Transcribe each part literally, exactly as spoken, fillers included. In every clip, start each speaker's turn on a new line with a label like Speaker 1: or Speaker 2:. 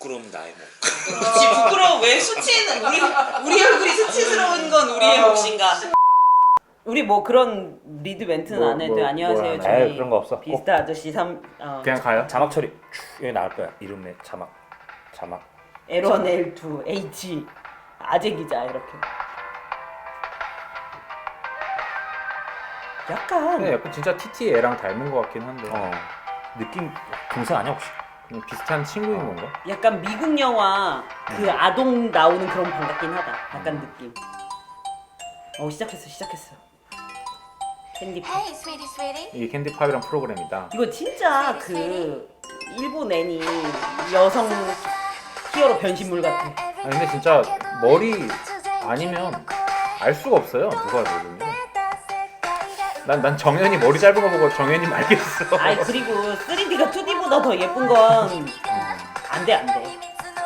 Speaker 1: 부끄러움 나의 몫.
Speaker 2: 그렇지 부끄러워. 왜 수치는 우리 우리 얼굴이 수치스러운 건 우리의 몫인가? 우리 뭐 그런 리드 멘트는
Speaker 3: 뭐,
Speaker 2: 안 해도
Speaker 3: 뭐,
Speaker 2: 안녕하세요.
Speaker 3: 뭐
Speaker 2: 저희
Speaker 4: 에이, 그런 거 없어.
Speaker 2: 비스타 아저씨 삼 어,
Speaker 3: 그냥 가요?
Speaker 4: 자막 처리 쭉 여기 나올 거야. 이름에 자막 자막.
Speaker 2: 엘 원 엘 투 H 아재 기자 이렇게. 약간
Speaker 3: 근데 약간 진짜 티티애랑 닮은 것 같긴 한데
Speaker 4: 어 느낌 동생 아니야 혹시?
Speaker 3: 그냥 비슷한 친구인
Speaker 4: 어.
Speaker 3: 건가?
Speaker 2: 약간 미국 영화 그 아동 나오는 그런 방 같긴 하다. 약간 느낌. 어 시작했어 시작했어. 캔디팝.
Speaker 5: Hey, sweetie, sweetie.
Speaker 3: 이게 캔디팝이란 프로그램이다.
Speaker 2: 이거 진짜 그 일본 애니 여성 히어로 변신물 같아.
Speaker 3: 아니 근데 진짜 머리 아니면 알 수가 없어요 누가 누군지. 난, 난 정현이 머리 짧은 거 보고 정현이 말겠어.
Speaker 2: 아이 그리고 쓰리디가 투디보다 더 예쁜 건 안 돼 안 돼.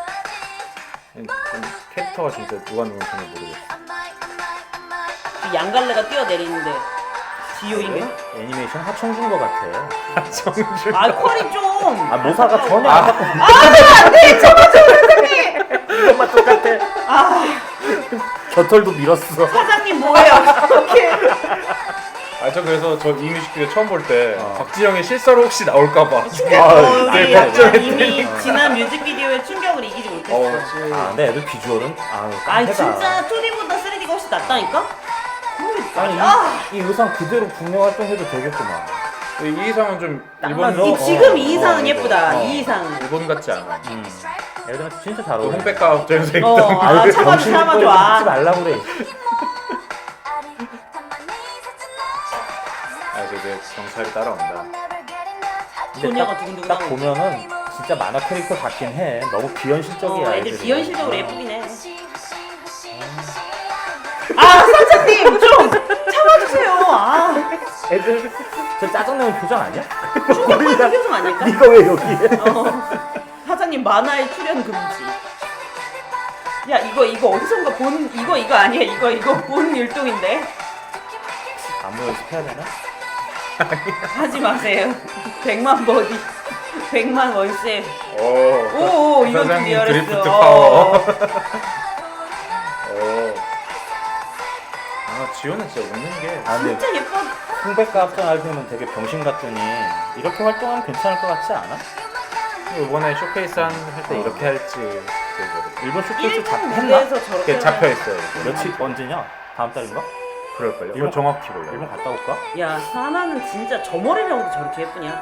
Speaker 3: 캐릭터가 진짜 누가 누군지 모르겠어.
Speaker 2: 그 양갈래가 뛰어내리는데 지효인가?
Speaker 4: 애니메이션 하청준 거 같아.
Speaker 3: 정준.
Speaker 2: 아 퀄이 좀.
Speaker 4: 아 모사가 전혀
Speaker 3: 아.
Speaker 4: 안 바꿔.
Speaker 2: 안돼 저거 좀 선생님.
Speaker 4: 이것만 똑같아.
Speaker 2: 아
Speaker 4: 겨털도 밀었어.
Speaker 2: 사장님 뭐예요? 이렇게.
Speaker 3: 아 저 그래서 저 이 뮤직비디오 처음 볼 때
Speaker 4: 어.
Speaker 3: 박지영의 실사로 혹시 나올까봐.
Speaker 4: 아,
Speaker 2: 어,
Speaker 3: 네,
Speaker 2: 우리 약간
Speaker 3: 걱정했더니.
Speaker 2: 이미 지난 뮤직비디오의 충격을 이기지 못했어.
Speaker 3: 어,
Speaker 4: 아 근데 애들 비주얼은 아유
Speaker 2: 아니
Speaker 4: 깡패다.
Speaker 2: 진짜 투디보다 쓰리디가 훨씬 낫다니까?
Speaker 4: 아니 이,
Speaker 2: 아,
Speaker 4: 이 의상 그대로 국내 활동해도 되겠구만.
Speaker 3: 이 이상은 좀 일본
Speaker 4: 어,
Speaker 2: 이 지금
Speaker 4: 어,
Speaker 2: 이 이상은
Speaker 4: 어,
Speaker 2: 예쁘다.
Speaker 4: 어.
Speaker 2: 이 이상은.
Speaker 3: 일본 같지 않아.
Speaker 4: 음. 애들한테 진짜 잘
Speaker 3: 그
Speaker 4: 어울려.
Speaker 3: 홍백가 업장에서
Speaker 2: 어,
Speaker 3: 입던.
Speaker 2: 아
Speaker 4: 왜
Speaker 2: 참아줘
Speaker 4: 정신
Speaker 2: 참아줘.
Speaker 4: 똑바로
Speaker 2: 아.
Speaker 4: 듣지 말라고 그래.
Speaker 3: 아 저게 경찰이 따라온다.
Speaker 4: 근데
Speaker 2: 소녀가
Speaker 4: 딱,
Speaker 2: 두근두근
Speaker 4: 딱
Speaker 2: 하고.
Speaker 4: 보면은 진짜 만화 캐릭터 같긴 해. 너무 비현실적이야.
Speaker 2: 어, 애들
Speaker 4: 애들이.
Speaker 2: 비현실적으로 예쁘긴 해. 아 사장님 좀 참아주세요. 아
Speaker 4: 애들 저 짜증내는 표정 아니야?
Speaker 2: 충격받는 표정 아닐까?
Speaker 4: 네가 왜 여기에?
Speaker 2: 어. 사장님 만화에 출연 금지. 야 이거 이거 어디선가 본 이거 이거 아니야 이거 이거 본 율동인데
Speaker 4: 안무 연습해야 되나?
Speaker 2: 하지 마세요. 백만 버디 백만 월세.
Speaker 3: 오.
Speaker 2: 오오 이건 좀
Speaker 3: 사장님
Speaker 2: 리얼했어.
Speaker 3: 드리프트 파워.
Speaker 2: 어.
Speaker 3: 오. 아 지호는 진짜 웃는 게.
Speaker 4: 아 근데
Speaker 2: 진짜 예뻐.
Speaker 4: 홍백과 합성 알고는 되게 병신 같더니 이렇게 활동하면 괜찮을 것 같지 않아?
Speaker 3: 이번에 쇼케이스 할 때
Speaker 4: 어.
Speaker 3: 이렇게 할지 그
Speaker 4: 일본 쇼케이스 잡
Speaker 2: 일본
Speaker 4: 했나?
Speaker 2: 무대에서 저렇게
Speaker 3: 이렇게 잡혀 있어요.
Speaker 4: 며칠 언제냐? 다음 달인가?
Speaker 3: 그럴걸요.
Speaker 4: 일본-
Speaker 3: 이거 정확히 몰라요.
Speaker 4: 일본 갔다 올까?
Speaker 2: 야 사나는 진짜 저 머리라고도 저렇게 예쁘냐?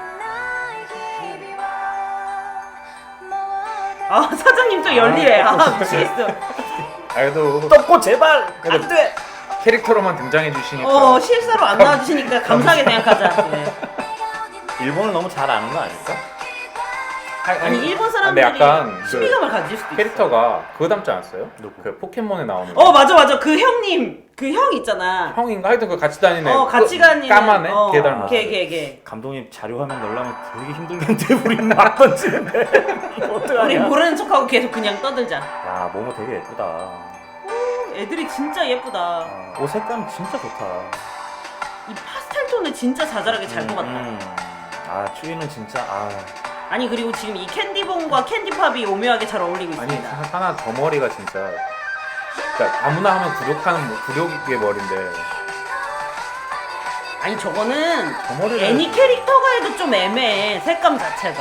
Speaker 2: 아 사장님 또 열일해. 아 미치겠어.
Speaker 3: 아 그래도
Speaker 4: 떴고 제발
Speaker 3: 그래도
Speaker 2: 안 돼.
Speaker 3: 캐릭터로만 등장해 주시니까.
Speaker 2: 어 실사로 안 나와주시니까 감사하게 생각하자. 네.
Speaker 4: 일본을 너무 잘 아는 거 아닐까?
Speaker 2: 아니 일본
Speaker 3: 근데
Speaker 2: 사람들이
Speaker 3: 약간 그
Speaker 2: 신비감을 가질 수도 있어.
Speaker 3: 캐릭터가 그거 닮지 않았어요?
Speaker 4: 누구?
Speaker 3: 그 포켓몬에 나오는.
Speaker 2: 어 맞아 맞아 그 형님 그 형 있잖아.
Speaker 3: 형인가 하여튼 그 같이 다니는.
Speaker 2: 어 같이
Speaker 3: 그
Speaker 2: 가는
Speaker 3: 까만애?
Speaker 2: 어,
Speaker 3: 걔 닮았어.
Speaker 2: 걔 걔 걔.
Speaker 4: 감독님 자료 화면 넣으려면 되게 힘들겠는데 우리는 막 던지는데
Speaker 2: 우리
Speaker 4: 어떡하냐?
Speaker 2: 모르는 척하고 계속 그냥 떠들자.
Speaker 4: 야 모모 되게 예쁘다.
Speaker 2: 애들이 진짜 예쁘다.
Speaker 4: 아, 옷 색감 진짜 좋다.
Speaker 2: 이 파스텔 톤을 진짜 자잘하게 잘 뽑았다.
Speaker 4: 음, 아 추위는 진짜 아
Speaker 2: 아니 그리고 지금 이 캔디본과 캔디팝이 오묘하게 잘 어울리고
Speaker 3: 아니
Speaker 2: 있습니다.
Speaker 3: 하- 하나 저 머리가 진짜. 그러니까 아무나 하면 굴욕하는 뭐- 굴욕의 머리인데.
Speaker 2: 아니 저거는
Speaker 3: 저 머리를.
Speaker 2: 애니 캐릭터가 해도 좀 애매해. 색감 자체가.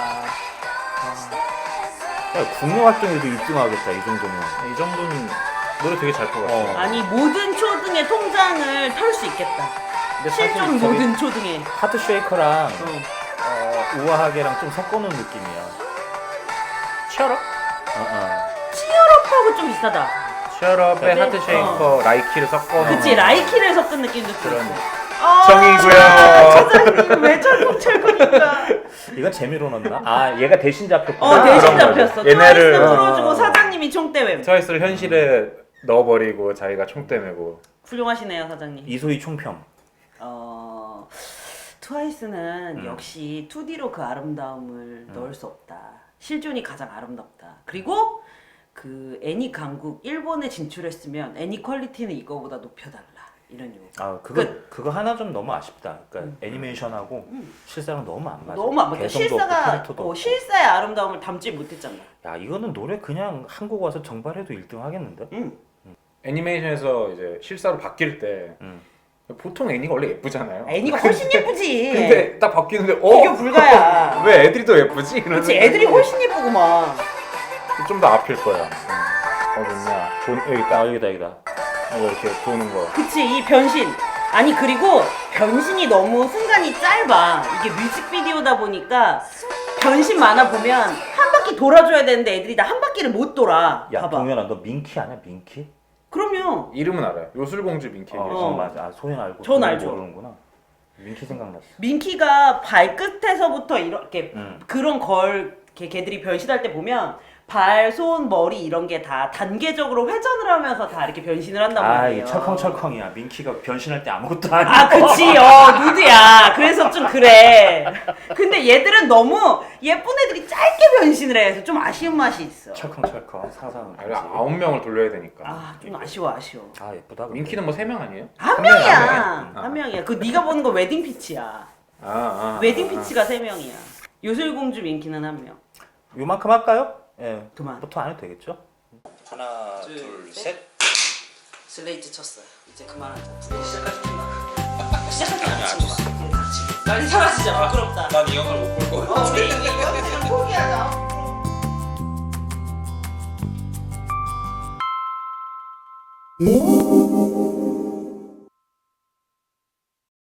Speaker 4: 야, 국내 활동에도 일 등 하겠다 이 정도면.
Speaker 3: 이 정도는 노래 되게 잘 뽑았어.
Speaker 4: 어.
Speaker 2: 아니 모든 초등의 통장을 털 수 있겠다.
Speaker 4: 근데 사실
Speaker 2: 실존
Speaker 4: 저기
Speaker 2: 모든 초등에.
Speaker 4: 하트 쉐이커랑
Speaker 2: 어.
Speaker 4: 어, 우아하게랑 좀 섞어놓은 느낌이야.
Speaker 3: 치얼업?
Speaker 4: 어, 어.
Speaker 2: 치얼업하고 좀 비슷하다.
Speaker 3: 치얼업에
Speaker 2: 네.
Speaker 3: 하트 쉐이커 라이키를 섞어.
Speaker 2: 그치 라이키를 섞은 느낌도
Speaker 3: 그런
Speaker 2: 들었어. 아,
Speaker 3: 정이고요.
Speaker 2: 사장님 왜 자꾸 칠 거니까.
Speaker 4: 이건 재미로 넣나? 아 얘가 대신 잡혔구나.
Speaker 2: 어 대신
Speaker 3: 그런 거죠.
Speaker 2: 잡혔어.
Speaker 3: 얘네를-
Speaker 2: 트와이스 풀어주고
Speaker 4: 어.
Speaker 2: 사장님이 총대회.
Speaker 3: 트와이스를 현실에 넣어버리고 자기가 총대 메고.
Speaker 2: 훌륭하시네요 사장님.
Speaker 4: 이소희 총평.
Speaker 2: 어 트와이스는
Speaker 4: 음.
Speaker 2: 역시 투디로 그 아름다움을 넣을 수 없다. 실존이 가장 아름답다. 그리고 그 애니 강국 일본에 진출했으면 애니 퀄리티는 이거보다 높여달라. 이런 이유.
Speaker 4: 아 그거
Speaker 2: 끝.
Speaker 4: 그거 하나 좀 너무 아쉽다. 그러니까
Speaker 2: 음.
Speaker 4: 애니메이션하고
Speaker 2: 음.
Speaker 4: 실사랑 너무 안 맞아.
Speaker 2: 너무 안 맞아.
Speaker 4: 개성도
Speaker 2: 실사가
Speaker 4: 없고 캐릭터도
Speaker 2: 어,
Speaker 4: 없고.
Speaker 2: 실사의 아름다움을 담지 못했잖아.
Speaker 4: 야 이거는 노래 그냥 한국 와서 정발해도 일 등 하겠는데?
Speaker 2: 응.
Speaker 3: 애니메이션에서 이제 실사로 바뀔 때
Speaker 4: 음.
Speaker 3: 보통 애니가 원래 예쁘잖아요.
Speaker 2: 애니가 훨씬 예쁘지.
Speaker 3: 근데 딱 바뀌는데 어?
Speaker 2: 비교 불가야.
Speaker 3: 왜 애들이 더 예쁘지? 이런
Speaker 2: 그치, 애들이 훨씬 예쁘구만.
Speaker 3: 좀 더 앞일 거야. 음. 어딨냐? 돈 여기 있다.
Speaker 4: 아 여기다 여기다.
Speaker 3: 이거 이렇게 도는 거.
Speaker 2: 그치, 이 변신. 아니, 그리고 변신이 너무 순간이 짧아. 이게 뮤직비디오다 보니까 변신 만화 보면 한 바퀴 돌아줘야 되는데 애들이 다 한 바퀴를 못 돌아.
Speaker 4: 야
Speaker 2: 봐봐.
Speaker 4: 동현아 너 민키 아냐 민키?
Speaker 2: 그럼요.
Speaker 3: 이름은 알아요. 요술공주 민키.
Speaker 4: 어,
Speaker 2: 어.
Speaker 4: 어 맞아. 아 소연 알고.
Speaker 2: 전
Speaker 4: 동현
Speaker 2: 알죠.
Speaker 4: 모르는구나. 민키 생각났어.
Speaker 2: 민키가 발끝에서부터 이렇게
Speaker 4: 음.
Speaker 2: 그런 걸 걔, 걔들이 변신할 때 보면 발, 손, 머리 이런 게 다 단계적으로 회전을 하면서 다 이렇게 변신을 한단
Speaker 4: 아,
Speaker 2: 말이에요.
Speaker 4: 이 철컹철컹이야. 민키가 변신할 때 아무것도 아니야.
Speaker 2: 아, 그치. 어, 누드야. 그래서 좀 그래. 근데 얘들은 너무 예쁜 애들이 짧게 변신을 해서 좀 아쉬운 맛이 있어.
Speaker 4: 철컹철컹 상상은.
Speaker 3: 아, 이거 아홉 명을 돌려야 되니까.
Speaker 2: 아, 좀 아쉬워, 아쉬워.
Speaker 4: 아 예쁘다. 근데.
Speaker 3: 민키는 뭐 세 명 아니에요?
Speaker 2: 한
Speaker 3: 한 명이야,
Speaker 2: 명이야.
Speaker 3: 한 명이야.
Speaker 2: 한 명이야. 그 네가 보는 거 웨딩 피치야.
Speaker 3: 아, 아,
Speaker 2: 웨딩
Speaker 3: 아,
Speaker 2: 피치가 세 명이야. 요술공주 민키는 한 명.
Speaker 4: 요만큼 할까요? 예.
Speaker 2: 그만.
Speaker 4: 보통 안 해도 되겠죠? 하나,
Speaker 2: 둘,
Speaker 4: 둘,
Speaker 2: 셋.
Speaker 4: 셋.
Speaker 2: 슬레이트 쳤어요. 이제 그만하자. 시작하자. 시작하자. 친구가. 빨리 사라지자. 부끄럽다.
Speaker 1: 난 이 영화를 못 볼 거야.
Speaker 2: 어, 우리 이거 그냥 포기하자.
Speaker 5: Ooh.